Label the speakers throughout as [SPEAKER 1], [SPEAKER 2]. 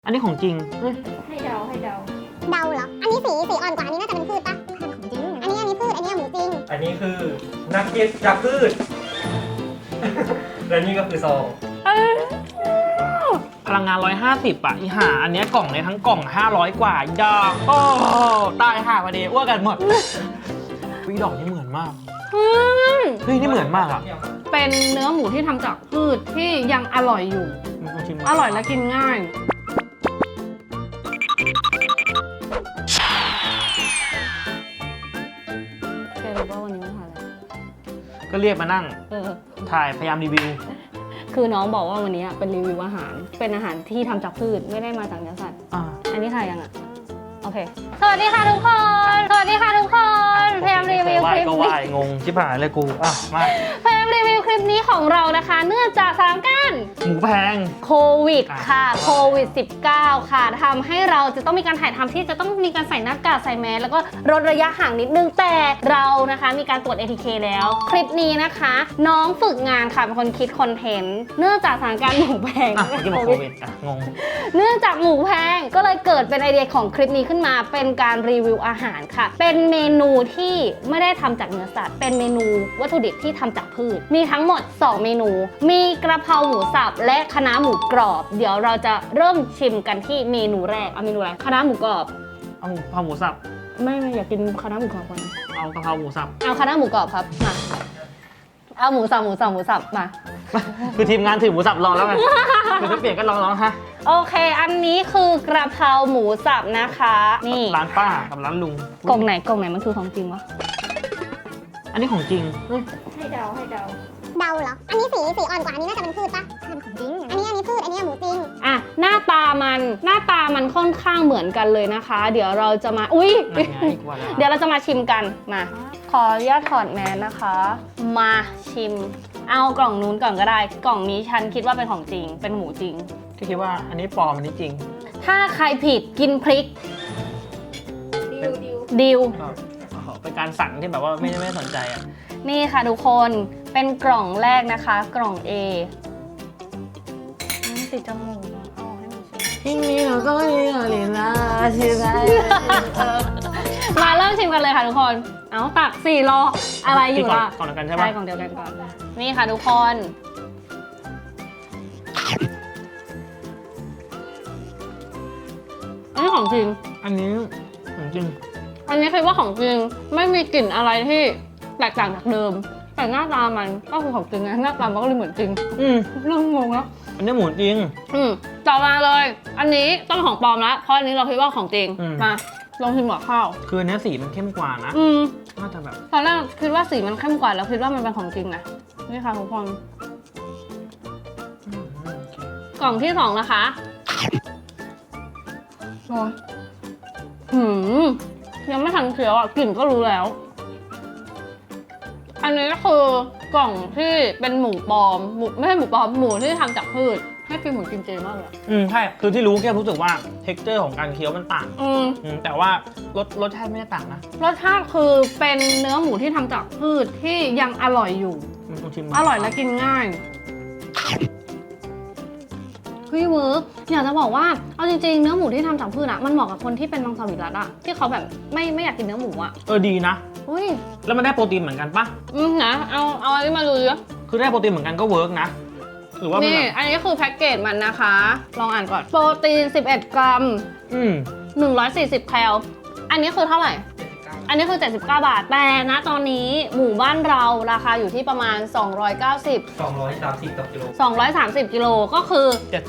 [SPEAKER 1] อันนี้ของจริง
[SPEAKER 2] ให้เดา
[SPEAKER 3] เดาเหรอ อันนี้สีอ่อนกว่า อันนี้น่าจะเป็นพืชปะของจริง อันนี้พืช อันนี้หมูจริง
[SPEAKER 4] อันนี้คือนักเก็ตจากพืช และนี่ก็คือซอง
[SPEAKER 1] พลังงาน 150 อ่ะอีห่าอันเนี้ยกล่องในทั้งกล่อง 500 กว่าอีดอกโอ้ตายห่าพอดีอ้วกกันหมดวิดอกนี่เหมือนมากเฮ้ยนี่เหมือนมากอ่ะ
[SPEAKER 2] เป็นเนื้อหมูที่ทำจากพืชที่ยังอร่อยอยู่ อร่อยและกินง่ายแกรู้ว่าวันนี้มันถ่ายอะไร
[SPEAKER 1] ก็เรียกมานั่งถ่ายพยายามรีวิว
[SPEAKER 2] คือน้องบอกว่าวันนี้เป็นรีวิวอาหาร เป็นอาหารที่ทำจากพืชไม่ได้มาจากเนื้อสัตว์ อันนี้ถ่ายยังอ่ะ โอเค สวัสดีค่ะทุกคน สวัสดีค่ะทุกคนพยายามรีวิวคลิป
[SPEAKER 1] ก็
[SPEAKER 2] นี้
[SPEAKER 1] ว่ายงงชิบหายเลยกูมา
[SPEAKER 2] พยายามรีวิวคลิปนี้ของเรานะคะ เนื่องจากสถานการณ์
[SPEAKER 1] หมูแพง
[SPEAKER 2] โควิดค่ะโควิด -19 ค่ะทำให้เราจะต้องมีการถ่ายทำที่จะต้องมีการใส่หน้ากากใส่แมสแล้วก็ลดระยะห่างนิดนึงแต่เรานะคะมีการตรวจ ATK แล้วคลิปนี้นะคะ น้องฝึกงานค่ะเป็นคนคิดคอนเทนต์เนื่องจากสถานการณ์หมูแพง
[SPEAKER 1] ที่บอกโควิดงง
[SPEAKER 2] เนื่องจากหมูแพงก็เลยเกิดเป็นไอเดียของคลิปนี้ขึ้นมาเป็นการรีวิวอาหารค่ะเป็นเมนูที่ไม่ได้ทำจากเนื้อสัตว์เป็นเมนูวัตถุดิบที่ทำจากพืชมีทั้งหมด2เมนูมีกระเพราหมูสับและคะน้าหมูกรอบเดี๋ยวเราจะเริ่มชิมกันที่เมนูแรกเอาเมนูอะไรคะน้าหมูกรอบ
[SPEAKER 1] เอากะเพราหมูสับ
[SPEAKER 2] ไม่อยากกินคะน้าหมูกรอบก่อน
[SPEAKER 1] เอากะเพราหมูสับ
[SPEAKER 2] เอาคะน้าหมูกรอบครับมาเอาหมูสับมา
[SPEAKER 1] คือทีมงานถือหมูสับรอแล้วไงคือถ้าเปลี่ยนก็ลองฮะ
[SPEAKER 2] โอเคอันนี้คือกระเพราหมูสับนะคะนี่
[SPEAKER 1] ร้านป้ากับร้านลุง
[SPEAKER 2] กล่องไหนมันคือของจริงวะ
[SPEAKER 1] อันนี้ของจริง
[SPEAKER 3] ให้เดาเหรอ อันนี้สีอ่อนกว่า อันนี้น่าจะเป็นพืชปะของจริง อันนี้พืช อันนี้หมูจริง
[SPEAKER 2] อ่ะหน้าตามันค่อนข้างเหมือนกันเลยนะคะ เดี๋ยวเราจะมาอุ้ย เดี๋ยวเราจะมาชิมกันมาขออนุญาตถอดแมสนะคะ มาชิม เอากล่องนู้นก่อนก็ได้ กล่องนี้ฉันคิดว่าเป็นของจริงเป็นหมูจริง
[SPEAKER 1] ที่คิดว่าอันนี้ปลอมอันนี้จริง
[SPEAKER 2] ถ้าใครผิดกินพริกดิว
[SPEAKER 1] เป็นการสั่งที่แบบว่าไม่สนใจอ่ะ
[SPEAKER 2] นี่ค่ะทุกคนเป็นกล่องแรกนะคะ กล่อง A ติดจมูกเอาให้มันชิม
[SPEAKER 1] ที่นี่เราก็มีอะไรนะชิมได้
[SPEAKER 2] มาเริ่มชิมกันเลยค่ะทุกคน เอาตัก4รออะไรอยู่ล่ะ
[SPEAKER 1] ก่อนกันใช่ไหม
[SPEAKER 2] ใช่กล่องเดียวกันก่อน นี่ค่ะทุกคน อันนี้ของจริง
[SPEAKER 1] อันนี้ของจริง
[SPEAKER 2] อันนี้คิดว่าของจริงไม่มีกลิ่นอะไรที่แตกต่างจากเดิม แต่หน้าตามันก็คือของจริงนะหน้าตามันก็เลยเหมือนจริงเริ่มงงแล้ว
[SPEAKER 1] อันนี้หมูจริง
[SPEAKER 2] ต่อมาเลย อันนี้ต้องของปลอมแล้วเพราะอันนี้เราคิดว่าของจริงมาลองชิมกับข้าว
[SPEAKER 1] คืออันนี้สีมันเข้มกว่านะน่าจะแบบ
[SPEAKER 2] ตอนแรกคิดว่าสีมันเข้มกว่าแล้วคิดว่ามันเป็นของจริงนะนี่ค่ะทุกคนกล่องที่2นะคะโอ้ยยังไม่ทันเคี้ยวอ่ะกลิ่นก็รู้แล้ว อันนี้ก็คือกล่องที่เป็นหมูปลอมไม่ใช่หมูปลอมหมูที่ทำจากพืชให้กินเหมือนกินเจมากเลย
[SPEAKER 1] ใช่คือที่รู้แค่รู้สึกว่า texture ของการเคี้ยวมันต่างแต่ว่ารสชาติไม่ได้ต่างนะ
[SPEAKER 2] รสชาติคือเป็นเนื้อหมูที่ทำจากพืชที่ยังอร่อยอยู่อร่อยและกินง่ายพี่เวิร์กอยากจะบอกว่าเอาจริงๆเนื้อหมูที่ทำจากพืชอะมันเหมาะกับคนที่เป็นมังสวิรัติอะที่เขาแบบไม่อยากกินเนื้อหมูอะ
[SPEAKER 1] ดีนะ
[SPEAKER 2] อุ้ย
[SPEAKER 1] แล้วมันได้โปรตีนเหมือนกันปะ
[SPEAKER 2] นะเอาอันนี้มาดูดิ
[SPEAKER 1] คือได้โปรตีนเหมือนกันก็เวิร์กนะหรือว่า
[SPEAKER 2] นี่อันนี้คือแพ็กเกจมันนะคะลองอ่านก่อนโปรตีน11 กรัม140 แคลอันนี้คือเท่าไหร่อันนี้คือ79 บาทแต่นะตอนนี้หมู่บ้านเราราคาอยู่ที่ประมาณ230 กิโลก็คือ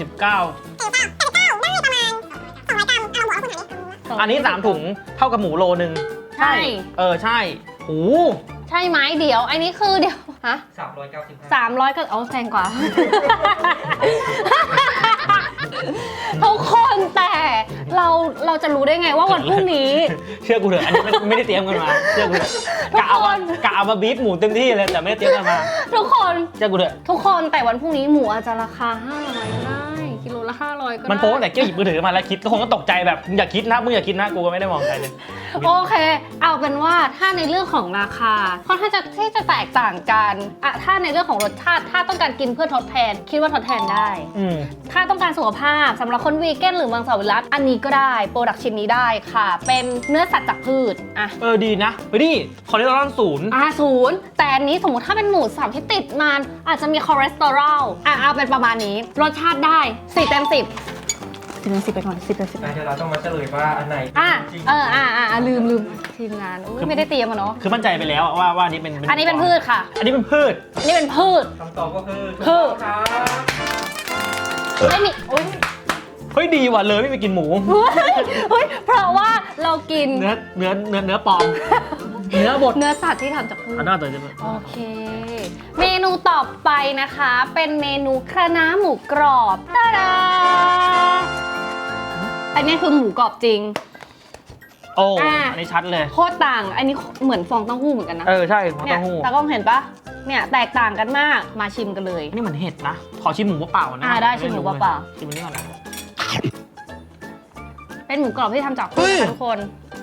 [SPEAKER 1] อันนี้3ถุงเท่ากับหมูโลนึง
[SPEAKER 2] ใช่
[SPEAKER 1] ใช่โอ้
[SPEAKER 2] ใช่ไหมเดี๋ยวอันนี้คือเดี๋ยวฮะ300ก็เอาแพงกว่า ทุกคนแต่เราจะรู้ได้ไงว่าวันพรุ่งนี้
[SPEAKER 1] เชื่อกูเถอะอันนี้ไม่ได้เตรียมกันมาเชื่อกูเถอะกะเอามาบีบหมูเต็มที่เลยแต่ไม่ได้เตรียมกันมา
[SPEAKER 2] ทุกคน
[SPEAKER 1] เชื่อกูเถอะ
[SPEAKER 2] ทุกคนแต่วันพรุ่งนี้หมูอาจจะราคา500ก็ได้กิโลละ500 อยก็ได้
[SPEAKER 1] มันโป๊ะแต่เกี้ยวหยิบมือถือมาแล้วคิดก็คงก็ตกใจแบบมึงอย่าคิดนะมึงอย่าคิดนะกูก็ไม่ได้มองใครเลย
[SPEAKER 2] โอเค เอาเป็นว่าถ้าในเรื่องของราคาค่อนข้างที่จะแตกต่างกันอะถ้าในเรื่องของรสชาติถ้าต้องการกินเพื่อทดแทนคิดว่าทดแทนได้ ถ้าต้องการสุขภาพสำหรับคนวีแกนหรือมังสวิรัติอันนี้ก็ได้โปรดักชิ้นนี้ได้ค่ะ เป็นเนื้อสัตว์จากพืชอ่ะ
[SPEAKER 1] ดีนะเฮ้ยนี่คอเลสเตอรอลศูนย์
[SPEAKER 2] ศูนย์แต่อันนี้สมมติถ้าเป็นหมูสับที่ติดมันอาจจะมีคอเลสเตอรอลเอาเป็นประมาณนี้รสชาติได้4 เต็ม 10 10 เต็ม 10ไปก่อน10 เต็ม 10
[SPEAKER 4] เดี๋ยวเราต้องมาเฉลยว่าอันไหนจริง
[SPEAKER 2] ลืมทีมงานอุ๊ยไม่ได้เตรียมอะเนาะ
[SPEAKER 1] คือมั่นใจไปแล้วว่าอันนี้เป็น
[SPEAKER 2] อันนี้เป็นพืชค่ะ
[SPEAKER 1] อันนี้เป็นพืช
[SPEAKER 2] อันนี้เป็นพืช
[SPEAKER 4] คำตอบก็คือ
[SPEAKER 2] คือ
[SPEAKER 4] ครับ
[SPEAKER 2] ไม่มีโอ๊ย
[SPEAKER 1] เฮ้ยดีว่ะเลยไม่ไปกินหมู
[SPEAKER 2] เฮ้ยเพราะว่าเรากิน
[SPEAKER 1] เนื้อปลอม เนื้อบด
[SPEAKER 2] เนื้อสัตว์ที่ทำจากพืช
[SPEAKER 1] อันน่าตื่นเต้น
[SPEAKER 2] โอเค เมนูต่อไปนะคะ เป็นเมนูคะน้าหมูกรอบตาดาอันนี้คือหมูกรอบจริง
[SPEAKER 1] โอ้อันนี้ชัดเลย
[SPEAKER 2] โคตรต่าง อันนี้เหมือนฟองเต้าหู้เหมือนกันนะ
[SPEAKER 1] ใช่ฟอง
[SPEAKER 2] เนี่ย
[SPEAKER 1] เต้าหู้
[SPEAKER 2] ตากล้องเห็นปะเนี่ยแตกต่างกันมาก มาชิมกันเลย
[SPEAKER 1] อันนี้เหมือนเห็ดนะ ขอชิมหมูเปล่าๆนะ
[SPEAKER 2] ได้ชิมหมูเปล่า
[SPEAKER 1] ชิมอันนี้ก่อนนะ
[SPEAKER 2] เป็นหมูกรอบที่ทำจาก
[SPEAKER 1] เฮ้
[SPEAKER 2] พืช
[SPEAKER 1] ย
[SPEAKER 2] ค่ะทุกคน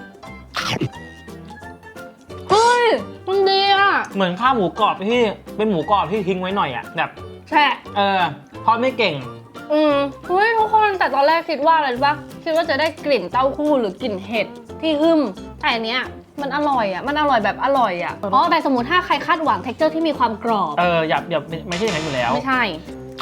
[SPEAKER 2] เฮ้ย มันดีอ่ะ
[SPEAKER 1] เหมือนข้าวหมูกรอบที่เป็นหมูกรอบที่ทิ้งไว้หน่อยอ่ะแบบ
[SPEAKER 2] แช่
[SPEAKER 1] ทอดไม่เก่ง
[SPEAKER 2] เฮ้ยทุกคนแต่ตอนแรกคิดว่าอะไรรู้ปะคิดว่าจะได้กลิ่นเต้าหู้หรือกลิ่นเห็ดที่หึมแต่อันเนี้ยมันอร่อยอ่ะมันอร่อยแบบอร่อยอ่ะแต่สมมติถ้าใครคาดหวัง texture ที่มีความกรอบ
[SPEAKER 1] อย่าไม่ใช่อย่างนั้นอยู่แล้ว
[SPEAKER 2] ไม่ใช่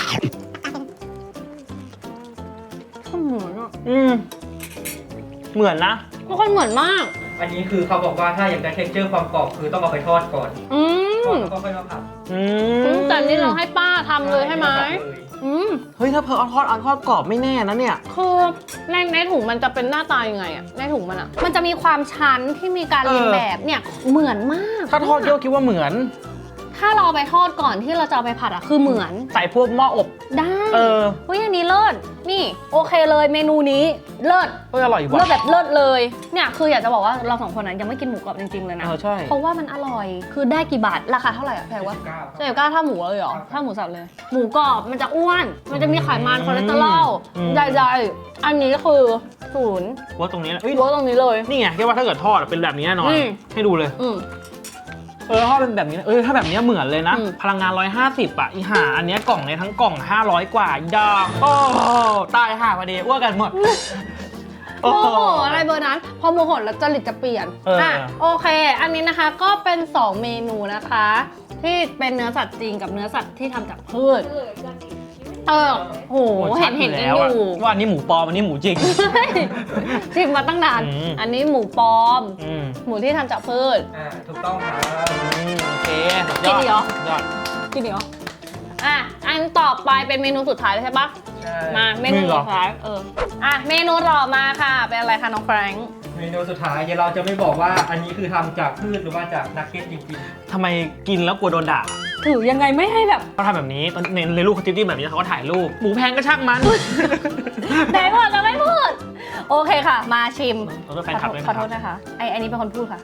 [SPEAKER 2] เหมือนอ่ะ
[SPEAKER 1] เหมือนนะ
[SPEAKER 2] ทุกคนเหมือนมาก
[SPEAKER 4] อันนี้คือเขาบอกว่าถ้าอยากได้ texture ความกรอบคือต้องเอาไปทอดก่อนทอดแล้วก็ค่อยมาผัด
[SPEAKER 2] แต่นี่เราให้ป้าทำเลยใช่ไหม
[SPEAKER 1] เฮ้ยถ้าเพอเอาทอดกรอบไม่แน่นะเนี่ย
[SPEAKER 2] คือในถุงมันจะเป็นหน้าตายังไงอะในถุงมันอะมันจะมีความชั้นที่มีการเรียนแบบเนี่ยเหมือนมาก
[SPEAKER 1] ถ้าทอดโยกคิดว่าเหมือน
[SPEAKER 2] ถ้าเราเอาไปทอดก่อนที่เราจะเอาไปผัดอะคือเหมือน
[SPEAKER 1] ใส่พวกหม้ออบ
[SPEAKER 2] ได้
[SPEAKER 1] เฮ้
[SPEAKER 2] ยอันนี้เลิศนี่โอเคเลยเมนูนี้เลิศ
[SPEAKER 1] อร่อย
[SPEAKER 2] เลิ
[SPEAKER 1] ว่ะ
[SPEAKER 2] ศแบบเลิศเลยเนี่ยคืออยากจะบอกว่าเราสองคนนั้นยังไม่กินหมูกรอบจริงๆเลยนะ
[SPEAKER 1] ใช่
[SPEAKER 2] เพราะว่ามันอร่อยคือได้กี่บาทราคาเท่าไหร่อะแพงวะ
[SPEAKER 4] 79
[SPEAKER 2] เจ็บก้าถ้าหมูเลยเหรอถ้าหมูสับเลย หมูกรอบมันจะอ้วน มันจะมีไขมันคอเลสเตอรอลใหญ่ๆอันนี้คือศูนย์
[SPEAKER 1] ว่าตรงนี้นะ
[SPEAKER 2] ลดตรงนี้เลย
[SPEAKER 1] นี่ไงแค่ว่าถ้าเกิดทอดเป็นแบบนี้แน่นอน ให้ดูเลย ทอดเป็นแบบนี้ถ้าแบบนี้เหมือนเลยนะ พลังงาน 150 อ่ะอีห่าอันเนี้ยกล่องในทั้งกล่อง 500 กว่าอีดอกโอ้ตายห่าพอดีอ้วกกันหมด
[SPEAKER 2] โมโหอะไรเบอร์นั้น พอโมโหแล้วจริตจะเปลี่ยนโอเค อันนี้นะคะก็เป็น 2 เมนูนะคะ ที่เป็นเนื้อสัตว์จริงกับเนื้อสัตว์ที่ทำจากพืชโหเห็นกันอยู่
[SPEAKER 1] ว่าอันนี้หมูปลอมอันนี้หมูจริง
[SPEAKER 2] ชิมมาตั้งนานอันนี้หมูปลอมหมูที่ทำจากพืช
[SPEAKER 4] ถูกต้องครับ
[SPEAKER 1] โอเค
[SPEAKER 2] กินอีกเหรอ
[SPEAKER 1] ยอด
[SPEAKER 2] กินอีกเหรออันต่อไปเป็นเมนูสุดท้ายใช่ปะ
[SPEAKER 4] ใช่
[SPEAKER 2] มาเมนูสุดท้ายเมนูต่อมาค่ะเป็นอะไรคะน้องแฟรงค์
[SPEAKER 4] เมนูสุดท้ายเดี๋ยวเราจะไม่บอกว่าอันนี้คือทำจากพืชหรือว่าจากนักเก็ตจริง
[SPEAKER 1] ทำไมกินแล้วกลัวโดนด่า
[SPEAKER 2] ถือยังไงไม่ให้แบบ
[SPEAKER 1] เขาทำแบบนี้ตอนในรูปเขาติ๊บๆแบบนี้เขาก็ถ่ายรูปหมูแพงก็ช่างมัน
[SPEAKER 2] ไหนบอกจะไม่พูด โอเคค่ะ มาชิม
[SPEAKER 1] ขอโทษแฟนคลับด้วย
[SPEAKER 2] ข
[SPEAKER 1] นะ
[SPEAKER 2] อโทษนะคะอันนี้เป็นคนพูดค่ะ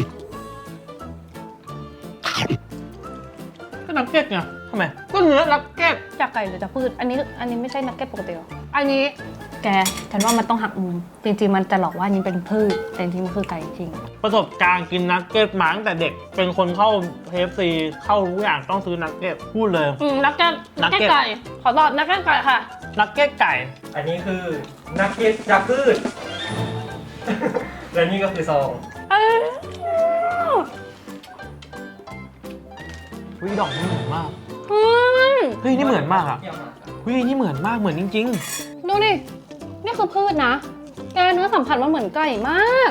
[SPEAKER 1] ก็นักเก็ตไงทำไมก็เนื้อนักเก็ต
[SPEAKER 2] จากไก่หรือจากพืชอันนี้ไม่ใช่นักเก็ตปกติหรออันนี้แกฉันว่ามันต้องหักมุมจริงๆมันจะหลอกว่าอันนี้เป็นพืชแต่จริงๆมันคือไก่จริง
[SPEAKER 1] ประสบการณ์กินนักเก็ตมาตั้งแต่เด็กเป็นคนเข้า KFC เข้าทุกอย่างต้องซื้อนักเก็ตพูดเลย
[SPEAKER 2] นักเก็ตไก่ขอตอบนักเก็ตไก่ค่ะ
[SPEAKER 1] นักเก็ตไก่
[SPEAKER 4] ๆ อันนี้คือนักเก็ตจากพืช และนี่ก็คือซอง
[SPEAKER 1] วิดอกนี่เหมือนมากเฮ้ยนี่เหมือนมากอ่ะเฮ้ยนี่เหมือนมากเหมือนจริง
[SPEAKER 2] ดูดินี่คือพืชนะแกเนื้อสัมผัสมันเหมือนไก่มาก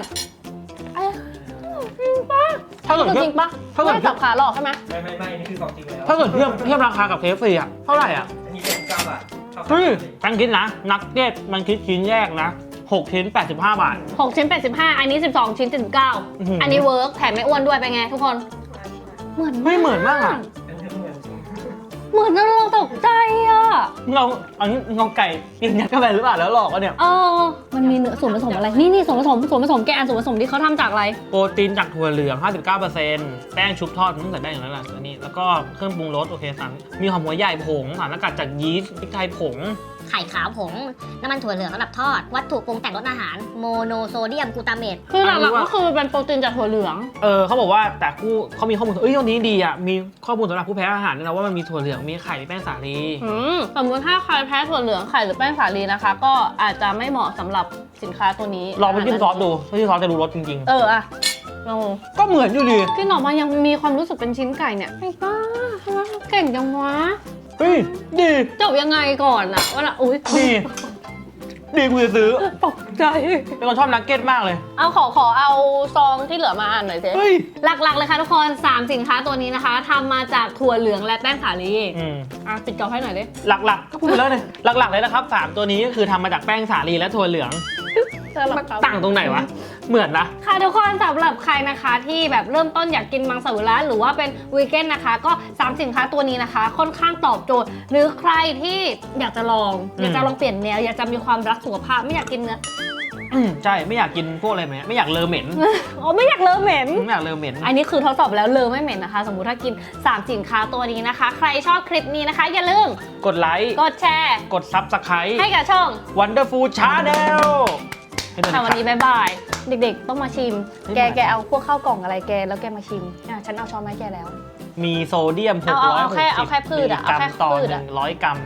[SPEAKER 2] จริงปะ
[SPEAKER 1] ๆ ถ้าเกิด
[SPEAKER 2] จริงปะไม่สับขาหลอกใช่ไหม
[SPEAKER 4] ไม่อันนี้คือของจริงแล้ว
[SPEAKER 1] ถ้าเกิดเทียบราคากับ KFC อ่ะเท่าไหร่อ่ะ
[SPEAKER 4] อันนี้79 บาท
[SPEAKER 1] เฮ้ยตั้งคิดนะนักเก็ตมันคิดชิ้นแยกนะ6ชิ้น85 บาท
[SPEAKER 2] 6 ชิ้น 85 อันนี้ 12 ชิ้น 79 อันนี้เวิร์กแถมไม่อ้วนด้วยเป็นไงทุกคน เหมือน
[SPEAKER 1] ไม่เหมือนมากอ่ะ
[SPEAKER 4] อันนี้เหมือน
[SPEAKER 2] เหมือนจนเราตกใจอ่ะ
[SPEAKER 1] อันนี้เงาไก่กินยัดเข้าไปหรือเปล่าแล้วหลอกวะเนี่ย
[SPEAKER 2] มันมีเนื้อส่วนผสมอะไร นี่ส่วนผสมแกอันส่วนผสมที่เขาทำจากอะไร
[SPEAKER 1] โปรตีนจากถั่วเหลือง 59%แป้งชุบทอดมันใส่ได้อย่างนั้นแหละอันนี้แล้วก็เครื่องปรุงรสโอเคสั่งมีหอมหัวใหญ่ผงสารสกัดจากยีสต์พริกไทยผง
[SPEAKER 5] ไข่ขาวผง น้ำมันถั่วเหลืองสำหรับทอด วัตถุปรุงแต่งรสอาหาร โมโนโซเดียมกลูตาเมต
[SPEAKER 2] คือหลักๆก็คือเป็นโปรตีนจากถั่วเหลือง
[SPEAKER 1] เขาบอกว่าแต่เขามีข้อมูลตรงนี้ดีอ่ะมีข้อมูลสำหรับผู้แพ้อาหารด้วยนะว่ามันมีถั่วเหลืองมีไข่มีแป้งสาลี
[SPEAKER 2] สมมติถ้าใครแพ้ถั่วเหลืองไข่หรือแป้งสาลีนะคะ ก็อาจจะไม่เหมาะสำหรับสินค้าตัวนี้
[SPEAKER 1] ลองไปจิ้มซอสดูถ้าจิ้มซอสจะรู้รสจริง
[SPEAKER 2] อะลอง
[SPEAKER 1] ๆ ก็เหมือนอยู่ดี
[SPEAKER 2] กินออกมายังมีความรู้สึกเป็นชิ้นไก่เนี่ยไอ้บ้าทำไมเขาเก่งจังวะ
[SPEAKER 1] เฮ้ยดี
[SPEAKER 2] จบยังไงก่อนอะว่าอุ้ย
[SPEAKER 1] ดีกูจะซื้อ
[SPEAKER 2] ตกใจ
[SPEAKER 1] เป็นคนชอบนักเก็ตมากเลย
[SPEAKER 2] เอาขอเอาซองที่เหลือมาอ่านหน่อยสิ
[SPEAKER 1] เฮ้ย
[SPEAKER 2] หลักๆเลยค่ะทุกคน 3 สินค้าตัวนี้นะคะทำมาจากถั่วเหลืองและแป้งสาลีปิดกล่องให้หน่อยดิ
[SPEAKER 1] หลักๆก็พูดไปแล้วเลยหลักๆเลยนะครับ3ตัวนี้ก็คือทำมาจากแป้งสาลีและถั่วเหลืองต่างตรงไหนวะเหมือนนะ
[SPEAKER 2] ค่ะทุกคนสำหรับใครนะคะที่แบบเริ่มต้นอยากกินมังสวิรัติหรือว่าเป็นวีแกนนะคะก็3สินค้าตัวนี้นะคะ ค่อนข้างตอบโจทย์ หรือใครที่อยากจะลองอยากจะลองเปลี่ยนแนวอยากจะมีความรักสุขภาพไม่อยากกินเนื้อ
[SPEAKER 1] ใช่ไม่อยากกินพวกอะไรแบบนี้ไม่อยากเลอเหม็น
[SPEAKER 2] อ๋อไม่อยากเลอะเหม็น
[SPEAKER 1] ไม่อยากเลอเหม็น
[SPEAKER 2] อันนี้คือทดสอบแล้วเลอไม่เหม็นนะคะ สมมุติถ้ากิน3สินค้าตัวนี้นะคะ ใครชอบคลิปนี้นะคะ อย่าลืม
[SPEAKER 1] กดไลค์
[SPEAKER 2] กดแชร์
[SPEAKER 1] กด Subscribe
[SPEAKER 2] ให้กับช่อง
[SPEAKER 1] Wonderful Channel ให้ด้วย
[SPEAKER 2] ค่ะ
[SPEAKER 1] นะ
[SPEAKER 2] วันนี้
[SPEAKER 1] ครับ
[SPEAKER 2] บ๊ายบายเด็กๆ ต้องมาชิม
[SPEAKER 1] ไม่
[SPEAKER 2] แกเอาพวกข้าวกล่องอะไรแกแล้วแกมาชิมฉันเอาช้อนมาให้แกแล้ว
[SPEAKER 1] มีโซเดียม
[SPEAKER 2] เอาแค่พืช
[SPEAKER 1] มิลลิ
[SPEAKER 2] อะ
[SPEAKER 1] กรัม
[SPEAKER 2] เอาแค่
[SPEAKER 1] ต่อ
[SPEAKER 2] พืชอะ
[SPEAKER 1] 100 กรัม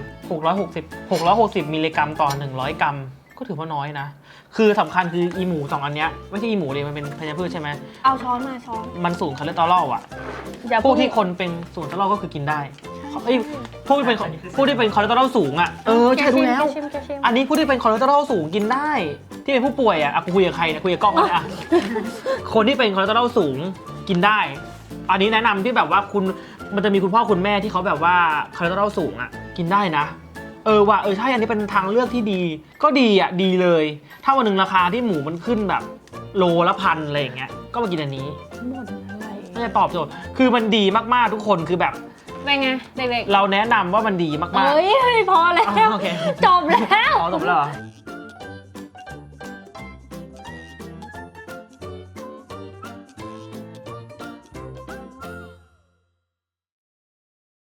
[SPEAKER 1] 660มิลลิกรัมต่อ100 กรัม ก็ถือว่าน้อยนะ คือสำคัญคืออีหมู2อันเนี้ยไม่ใช่อีหมูเลยมันเป็นธัญพืชใช่ไหม
[SPEAKER 2] เอาช้อนมาช้อน
[SPEAKER 1] มันสูงคอเลสเตอรอลอ่ะ
[SPEAKER 2] อย่า
[SPEAKER 1] พวกที่คนเป็นสูงคอเลสเตอรอลก็คือกินได้เอ้ยพวกที่เป็นคอเลสเตอรอลสูงอ่ะใช่รู้แล้ว
[SPEAKER 2] แกชิม
[SPEAKER 1] อันนี้ผู้ที่เป็นคอเลสเตอรอลสูงกินได้ ที่เป็นผู้ป่วยอ่ะกูคุยกับใครเนี่ยคุยกับกล้องเลยอ่ะ คนที่เป็นคอเลสเตอรอลสูงกินได้ อันนี้แนะนำที่แบบว่ามันจะมีคุณพ่อคุณแม่ที่เขาแบบว่าคอเลสเตอรอลสูงอ่ะกินได้นะว่ะใช่อันนี้เป็นทางเลือกที่ดีก็ดีอ่ะดีเลย ถ้าวันหนึ่งราคาที่หมูมันขึ้นแบบโลละพันอะไรอย่างเงี้ยก็มากินอันนี้
[SPEAKER 2] หมดอะไร
[SPEAKER 1] น่าจะตอบโจทย์คือมันดีมากๆทุกคนคือแบบ
[SPEAKER 2] เป็นไงเด็ก
[SPEAKER 1] เราแนะนำว่ามันดีมาก
[SPEAKER 2] ๆ
[SPEAKER 1] ๆ
[SPEAKER 2] เฮ้ยพอแล้ว
[SPEAKER 1] โอเค
[SPEAKER 2] จบแล้ว
[SPEAKER 1] อ๋อจบแล้วเหรอ